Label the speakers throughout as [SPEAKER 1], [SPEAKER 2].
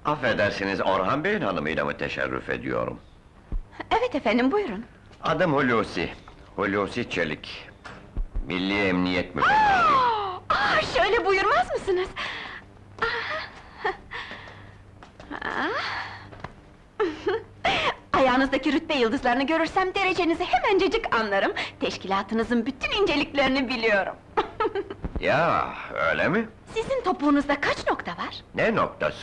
[SPEAKER 1] Affedersiniz, Orhan Bey'in hanımıyla mı teşerrüf ediyorum?
[SPEAKER 2] Evet efendim, buyurun.
[SPEAKER 1] Adım Hulusi, Hulusi Çelik. Milli Emniyet Müfettişi.
[SPEAKER 2] Şöyle buyurmaz mısınız? Ayağınızdaki rütbe yıldızlarını görürsem derecenizi hemencecik anlarım. Teşkilatınızın bütün inceliklerini biliyorum.
[SPEAKER 1] Ya, öyle mi?
[SPEAKER 2] Sizin topuğunuzda kaç nokta var?
[SPEAKER 1] Ne noktası?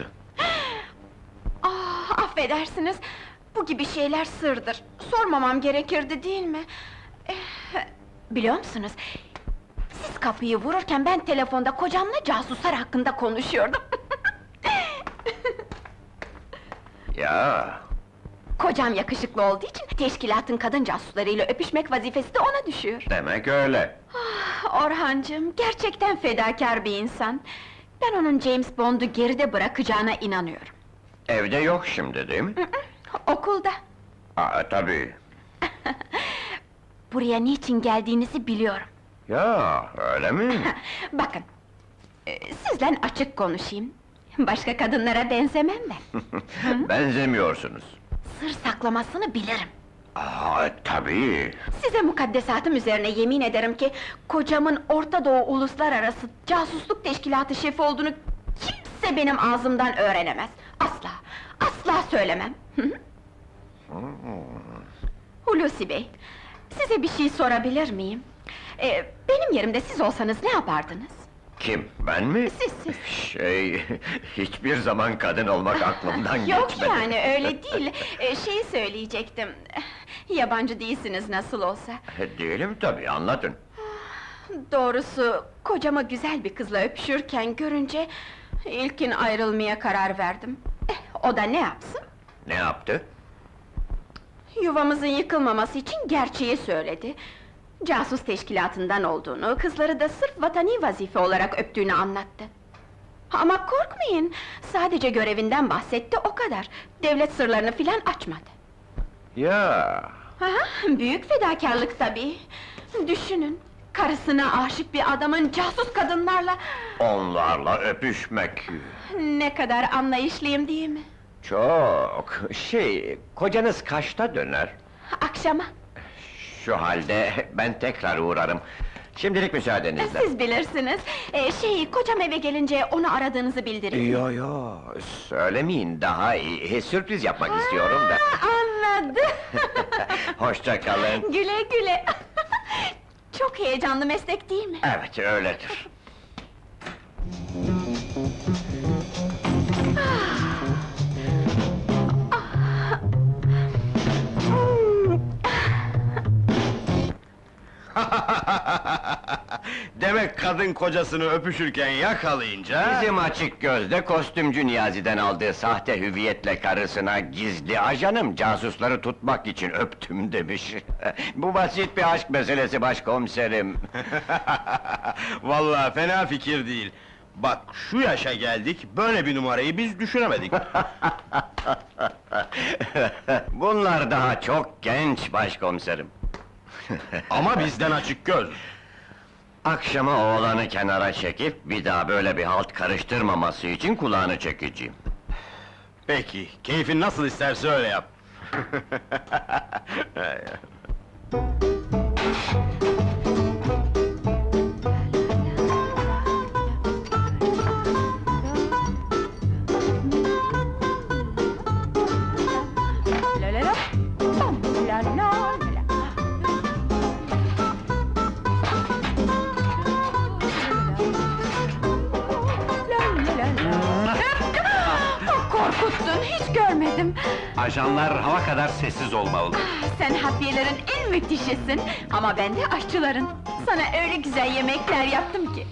[SPEAKER 2] Affedersiniz, bu gibi şeyler sırdır. Sormamam gerekirdi değil mi? Biliyor musunuz? Siz kapıyı vururken ben telefonda kocamla casuslar hakkında konuşuyordum.
[SPEAKER 1] Ya,
[SPEAKER 2] Kocam yakışıklı olduğu için teşkilatın kadın casuslarıyla öpüşmek vazifesi de ona düşüyor.
[SPEAKER 1] demek öyle.
[SPEAKER 2] Orhancığım, gerçekten fedakar bir insan. Ben onun James Bond'u geride bırakacağına inanıyorum.
[SPEAKER 1] Evde yok şimdi, değil mi?
[SPEAKER 2] Okulda.
[SPEAKER 1] Tabii.
[SPEAKER 2] Buraya niçin geldiğinizi biliyorum.
[SPEAKER 1] Ya, öyle mi?
[SPEAKER 2] Bakın, sizden açık konuşayım. Başka kadınlara benzemem ben.
[SPEAKER 1] Benzemiyorsunuz.
[SPEAKER 2] Sır saklamasını bilirim.
[SPEAKER 1] Tabii.
[SPEAKER 2] Size mukaddesatım üzerine yemin ederim ki... ...kocamın Orta Doğu Uluslararası Casusluk Teşkilatı şefi olduğunu... ...kimse benim ağzımdan öğrenemez. Asla, asla söylemem. Hulusi Bey, size bir şey sorabilir miyim? Benim yerimde siz olsanız ne yapardınız?
[SPEAKER 1] Kim, ben mi?
[SPEAKER 2] Siz.
[SPEAKER 1] Hiçbir zaman kadın olmak aklımdan
[SPEAKER 2] Yok
[SPEAKER 1] geçmedi.
[SPEAKER 2] yani, öyle değil. Şeyi söyleyecektim... ...Yabancı değilsiniz nasıl olsa.
[SPEAKER 1] Değilim tabii, anlatın.
[SPEAKER 2] Doğrusu, kocama güzel bir kızla öpüşürken görünce... ...ilkin ayrılmaya karar verdim. O da ne yapsın?
[SPEAKER 1] Ne yaptı?
[SPEAKER 2] Yuvamızın yıkılmaması için gerçeği söyledi. Casus teşkilatından olduğunu, kızları da sırf vatani vazife olarak öptüğünü anlattı. Ama korkmayın, sadece görevinden bahsetti, o kadar. Devlet sırlarını filan açmadı.
[SPEAKER 1] Ya,
[SPEAKER 2] Büyük fedakarlık tabii. Düşünün, karısına aşık bir adamın casus kadınlarla...
[SPEAKER 1] onlarla öpüşmek.
[SPEAKER 2] Ne kadar anlayışlıyım değil mi?
[SPEAKER 1] Çok. Kocanız kaçta döner?
[SPEAKER 2] Akşama.
[SPEAKER 1] Şu halde ben tekrar uğrarım. Şimdilik müsaadenizle.
[SPEAKER 2] Siz bilirsiniz. Kocam eve gelince onu aradığınızı bildirin.
[SPEAKER 1] Yo, söylemeyin, daha iyi. Sürpriz yapmak istiyorum da.
[SPEAKER 2] Anladım.
[SPEAKER 1] Hoşça kalın.
[SPEAKER 2] Güle güle. Çok heyecanlı meslek değil mi?
[SPEAKER 1] Evet, öyledir.
[SPEAKER 3] Demek kadın kocasını öpüşürken yakalayınca...
[SPEAKER 1] Bizim açık gözde kostümcü Niyazi'den aldığı sahte hüviyetle karısına gizli ajanım casusları tutmak için öptüm demiş. Bu basit bir aşk meselesi başkomiserim.
[SPEAKER 3] Vallahi fena fikir değil. Bak, şu yaşa geldik, böyle bir numarayı biz düşünemedik.
[SPEAKER 1] Bunlar daha çok genç başkomiserim.
[SPEAKER 3] Ama bizden açık göz.
[SPEAKER 1] Akşama oğlanı kenara çekip bir daha böyle bir halt karıştırmaması için kulağını çekeceğim.
[SPEAKER 3] Peki, keyfin nasıl isterse öyle yap.
[SPEAKER 2] La la la, bam, la la la. Korkuttun, hiç görmedim.
[SPEAKER 4] Ajanlar hava kadar sessiz olmalı.
[SPEAKER 2] Sen hafiyelerin en müthişisin, ama ben de aşçıların. Sana öyle güzel yemekler yaptım ki.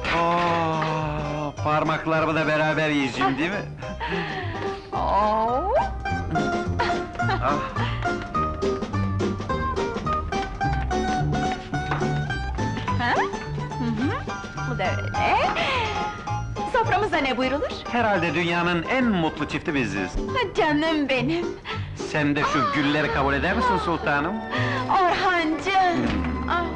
[SPEAKER 4] Parmaklarımı da beraber yiyeceğim değil mi?
[SPEAKER 2] Oo. Ha? Bu da öyle. Soframıza ne buyrulur?
[SPEAKER 4] Herhalde dünyanın en mutlu çifti biziz.
[SPEAKER 2] Canım benim!
[SPEAKER 4] Sen de şu gülleri kabul eder misin sultanım?
[SPEAKER 2] Orhancığım!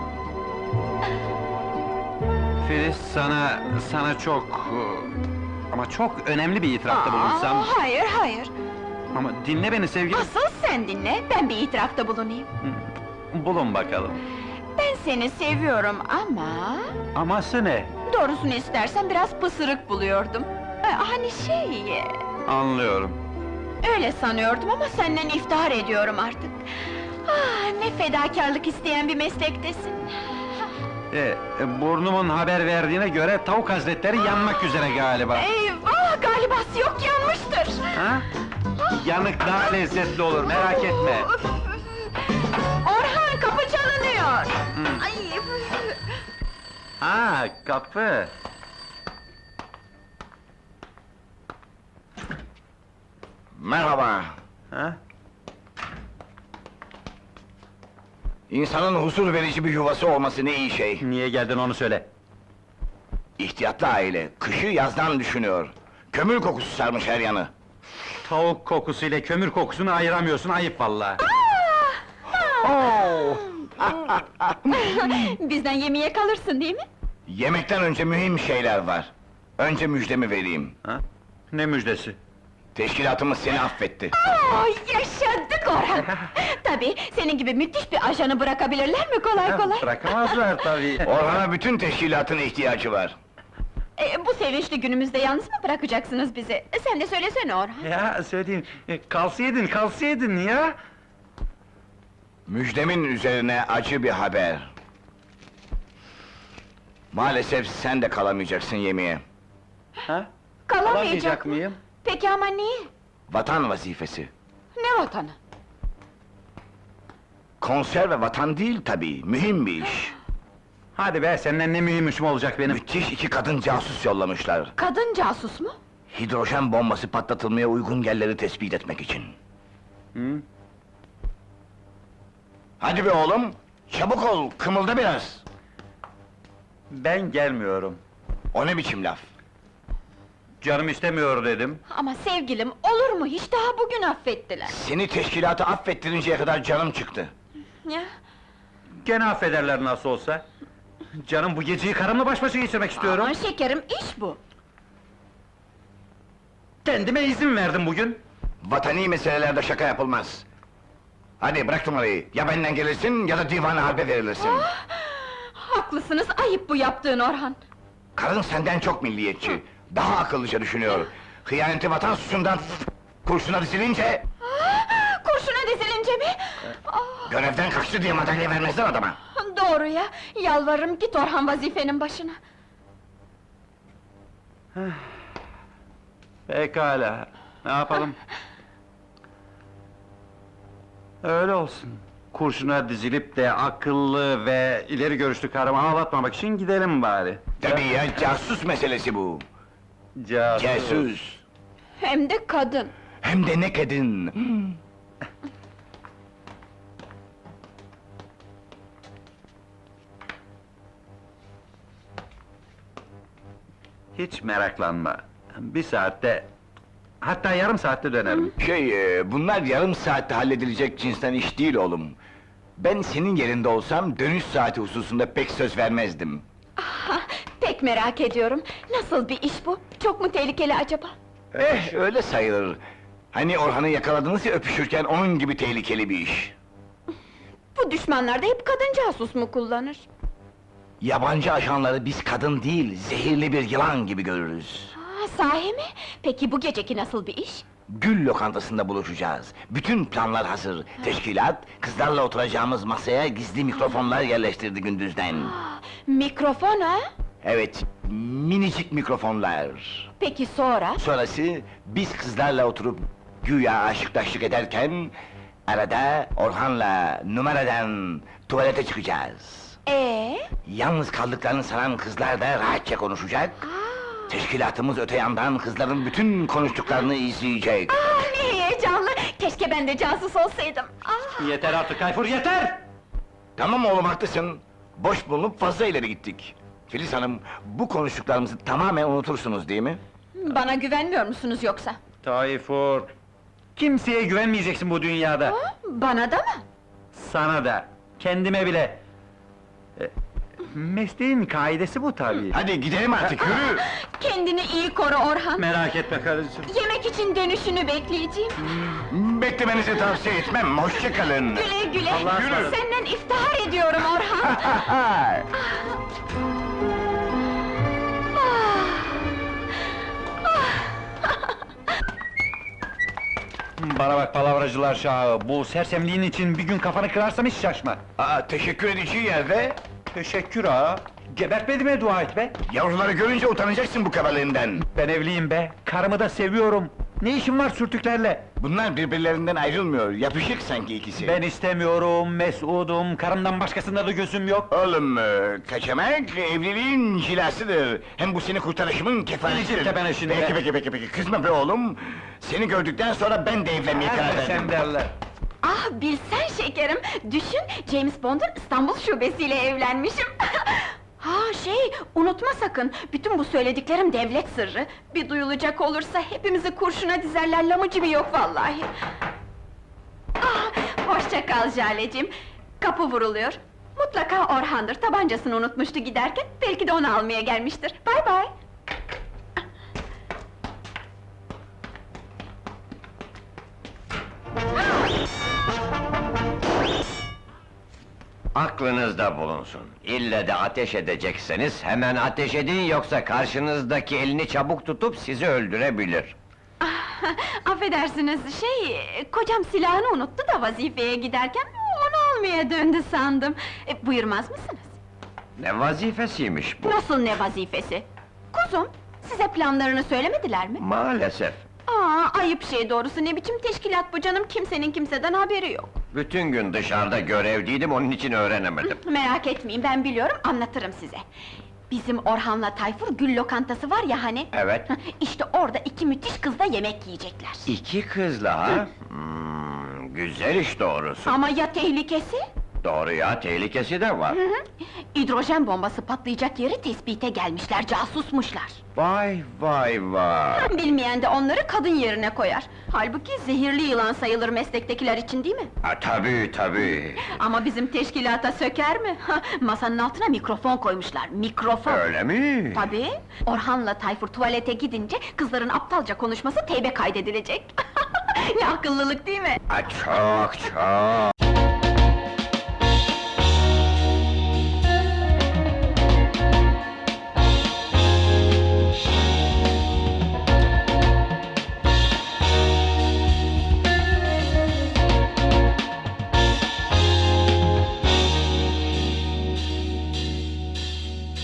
[SPEAKER 4] Filiz sana çok... Ama çok önemli bir itirafta bulunsam...
[SPEAKER 2] Hayır, hayır!
[SPEAKER 4] Ama dinle beni sevgilim.
[SPEAKER 2] Asıl sen dinle, ben bir itirafta bulunayım.
[SPEAKER 4] Bulun bakalım.
[SPEAKER 2] Ben seni seviyorum ama...
[SPEAKER 4] Aması ne?
[SPEAKER 2] Doğrusunu istersen biraz pısırık buluyordum. Hani şey...
[SPEAKER 4] Anlıyorum.
[SPEAKER 2] Öyle sanıyordum ama senden iftihar ediyorum artık. Ne fedakarlık isteyen bir meslektesin.
[SPEAKER 4] Burnumun haber verdiğine göre tavuk hazretleri yanmak üzere galiba.
[SPEAKER 2] Eyvah! Galiba yok yanmıştır!
[SPEAKER 4] Ha? Yanık daha lezzetli olur, merak etme.
[SPEAKER 2] Orhan, kapı çalınıyor! Ay!
[SPEAKER 4] Ha, kapı.
[SPEAKER 1] Merhaba.
[SPEAKER 4] Ha?
[SPEAKER 1] İnsanın huzur verici bir yuvası olması ne iyi şey.
[SPEAKER 4] Niye geldin onu söyle.
[SPEAKER 1] İhtiyatlı aile, kışı yazdan düşünüyor. Kömür kokusu sarmış her yanı.
[SPEAKER 4] Tavuk kokusu ile kömür kokusunu ayıramıyorsun, ayıp vallahi.
[SPEAKER 1] Oo!
[SPEAKER 2] Bizden yemeğe kalırsın değil mi?
[SPEAKER 1] Yemekten önce mühim şeyler var. Önce müjdemi vereyim.
[SPEAKER 4] Ha? Ne müjdesi?
[SPEAKER 1] Teşkilatımız seni affetti.
[SPEAKER 2] Yaşadık Orhan! Tabii, senin gibi müthiş bir ajanı bırakabilirler mi kolay kolay?
[SPEAKER 4] Bırakamazlar tabii.
[SPEAKER 1] Orhan'a bütün teşkilatın ihtiyacı var.
[SPEAKER 2] Bu sevinçli günümüzde yalnız mı bırakacaksınız bizi? Sen de söylesene Orhan!
[SPEAKER 4] Ya söyleyeyim, kalsaydın ya!
[SPEAKER 1] Müjdemin üzerine acı bir haber. Maalesef sen de kalamayacaksın yemeğe.
[SPEAKER 4] Ha?
[SPEAKER 2] Kalamayacak mı?
[SPEAKER 4] mıyım?
[SPEAKER 2] Peki ama niye?
[SPEAKER 1] Vatan vazifesi.
[SPEAKER 2] Ne vatanı?
[SPEAKER 1] Konserve vatan değil tabii, mühim bir iş.
[SPEAKER 4] Hadi be, senden ne mühim işim olacak benim?
[SPEAKER 1] Müthiş iki kadın casus yollamışlar.
[SPEAKER 2] Kadın casus mu?
[SPEAKER 1] Hidrojen bombası patlatılmaya uygun yerleri tespit etmek için.
[SPEAKER 4] Hı?
[SPEAKER 1] Hadi be oğlum, çabuk ol, kımılda biraz.
[SPEAKER 4] Ben gelmiyorum.
[SPEAKER 1] O ne biçim laf?
[SPEAKER 4] Canım istemiyor dedim.
[SPEAKER 2] Ama sevgilim, olur mu hiç daha bugün affettiler.
[SPEAKER 1] Seni teşkilatı affettirinceye kadar canım çıktı.
[SPEAKER 2] Ya,
[SPEAKER 4] Gene affederler nasıl olsa. Canım bu geceyi karımla baş başa geçirmek istiyorum.
[SPEAKER 2] ama şekerim, iş bu.
[SPEAKER 4] Kendime izin verdim bugün.
[SPEAKER 1] Vatani meselelerde şaka yapılmaz. Hadi bırak numarayı, ya benden gelirsin ya da divana harbe verilirsin.
[SPEAKER 2] Haklısınız, ayıp bu yaptığın Orhan.
[SPEAKER 1] Karın senden çok milliyetçi, daha akıllıca düşünüyor. Hıyaneti vatan suçundan kurşuna dizilince...
[SPEAKER 2] Kurşuna dizilince mi?
[SPEAKER 1] Görevden kaçtı diye madalya vermezler adama.
[SPEAKER 2] Doğru ya, yalvarırım git Orhan vazifenin başına.
[SPEAKER 4] Pekala, ne yapalım? Öyle olsun. Kurşuna dizilip de akıllı ve ileri görüşlü karımı ağlatmamak için gidelim bari.
[SPEAKER 1] Tabii ya, casus meselesi bu. Casus.
[SPEAKER 2] Hem de kadın.
[SPEAKER 1] Hem de ne kadın.
[SPEAKER 4] Hiç meraklanma. Bir saatte, hatta yarım saatte dönerim.
[SPEAKER 1] Bunlar yarım saatte halledilecek cinsten iş değil oğlum. Ben senin yerinde olsam dönüş saati hususunda pek söz vermezdim.
[SPEAKER 2] Pek merak ediyorum. Nasıl bir iş bu? Çok mu tehlikeli acaba?
[SPEAKER 1] Öyle sayılır. Hani Orhan'ı yakaladınız ya öpüşürken, onun gibi tehlikeli bir iş.
[SPEAKER 2] Bu düşmanlar da hep kadın casus mu kullanır?
[SPEAKER 1] Yabancı ajanları biz kadın değil, zehirli bir yılan gibi görürüz.
[SPEAKER 2] Sahi mi? Peki bu geceki nasıl bir iş?
[SPEAKER 1] Gül lokantasında buluşacağız. Bütün planlar hazır. Teşkilat, kızlarla oturacağımız masaya gizli mikrofonlar yerleştirdi gündüzden.
[SPEAKER 2] Mikrofon ha?
[SPEAKER 1] Evet, minicik mikrofonlar.
[SPEAKER 2] Peki sonra?
[SPEAKER 1] Sonrası, biz kızlarla oturup güya aşıklaşlık ederken... ...arada Orhan'la numaradan tuvalete çıkacağız. Yalnız kaldıklarını sanan kızlar da rahatça konuşacak. Teşkilatımız öte yandan kızların bütün konuştuklarını izleyecek.
[SPEAKER 2] Ne heyecanlı! Keşke ben de casus olsaydım.
[SPEAKER 4] Yeter artık Tayfur, yeter!
[SPEAKER 1] Tamam oğlum, haklısın. Boş bulunup fazla ileri gittik. Filiz Hanım, bu konuştuklarımızı tamamen unutursunuz değil mi?
[SPEAKER 2] Bana güvenmiyor musunuz yoksa?
[SPEAKER 4] Tayfur! Kimseye güvenmeyeceksin bu dünyada.
[SPEAKER 2] Bana da mı?
[SPEAKER 4] Sana da, kendime bile. Mesleğin kaidesi bu tabii.
[SPEAKER 1] Hadi gidelim artık, yürü!
[SPEAKER 2] Kendini iyi koru Orhan.
[SPEAKER 4] Merak etme karıcığım.
[SPEAKER 2] Yemek için dönüşünü bekleyeceğim.
[SPEAKER 1] Beklemenizi tavsiye etmem, hoşça kalın!
[SPEAKER 2] Güle güle.
[SPEAKER 4] Allah'a
[SPEAKER 1] Yürü.
[SPEAKER 4] ısmarladık.
[SPEAKER 2] Senden iftihar ediyorum Orhan.
[SPEAKER 4] Bana bak palavracılar şahı, bu sersemliğin için bir gün kafanı kırarsam hiç şaşma.
[SPEAKER 1] Aa, teşekkür edeceği yerde,
[SPEAKER 4] Teşekkür ha. Gebertmediğime dua et be.
[SPEAKER 1] yavruları görünce utanacaksın bu kabalığından.
[SPEAKER 4] Ben evliyim be, karımı da seviyorum. Ne işim var sürtüklerle?
[SPEAKER 1] Bunlar birbirlerinden ayrılmıyor, yapışık sanki ikisi.
[SPEAKER 4] Ben istemiyorum, mesudum, karımdan başkasında da gözüm yok.
[SPEAKER 1] Oğlum, kaçamak evliliğin cilasıdır. Hem bu seni kurtarışımın kefaretidir.
[SPEAKER 4] Gidecek tepene şimdi be.
[SPEAKER 1] Peki, kızma be oğlum. Seni gördükten sonra ben de evlenmeye karar
[SPEAKER 4] Hadi
[SPEAKER 1] verdim.
[SPEAKER 4] sen derler.
[SPEAKER 2] Ah bilsen şekerim, düşün James Bond'un İstanbul şubesiyle evlenmişim. Ha unutma sakın, bütün bu söylediklerim devlet sırrı. Bir duyulacak olursa hepimizi kurşuna dizerler, lamıcı bir yok vallahi. Ah, hoşça kal Jale'cim. Kapı vuruluyor. Mutlaka Orhan'dır, tabancasını unutmuştu giderken, belki de onu almaya gelmiştir. Bay bay.
[SPEAKER 5] Aklınızda bulunsun. İlle de ateş edecekseniz hemen ateş edin, yoksa karşınızdaki elini çabuk tutup sizi öldürebilir.
[SPEAKER 2] Affedersiniz, kocam silahını unuttu da vazifeye giderken, onu almaya döndü sandım. Buyurmaz mısınız?
[SPEAKER 5] Ne vazifesiymiş bu?
[SPEAKER 2] Nasıl ne vazifesi? Kuzum, size planlarını söylemediler mi?
[SPEAKER 5] Maalesef.
[SPEAKER 2] Ayıp şey doğrusu, ne biçim teşkilat bu canım, kimsenin kimseden haberi yok.
[SPEAKER 5] Bütün gün dışarıda görevliydim, onun için öğrenemedim.
[SPEAKER 2] Merak etmeyin, ben biliyorum, anlatırım size. Bizim Orhan'la Tayfur gül lokantası var ya hani?
[SPEAKER 5] Evet.
[SPEAKER 2] İşte orada iki müthiş kızla yemek yiyecekler.
[SPEAKER 5] İki kızla ha? Güzel iş doğrusu.
[SPEAKER 2] Ama ya tehlikesi?
[SPEAKER 5] Doğru ya, tehlikesi de var.
[SPEAKER 2] Hidrojen bombası patlayacak yeri tespite gelmişler, casusmuşlar.
[SPEAKER 5] Vay vay vay!
[SPEAKER 2] Bilmeyen de onları kadın yerine koyar. Halbuki zehirli yılan sayılır meslektekiler için, değil mi?
[SPEAKER 5] Ha, tabii.
[SPEAKER 2] Ama bizim teşkilata söker mi? Masanın altına mikrofon koymuşlar, mikrofon!
[SPEAKER 5] Öyle mi?
[SPEAKER 2] Tabii! Orhan'la Tayfur tuvalete gidince, kızların aptalca konuşması teybe kaydedilecek. Ne akıllılık değil mi?
[SPEAKER 5] Ha, çok.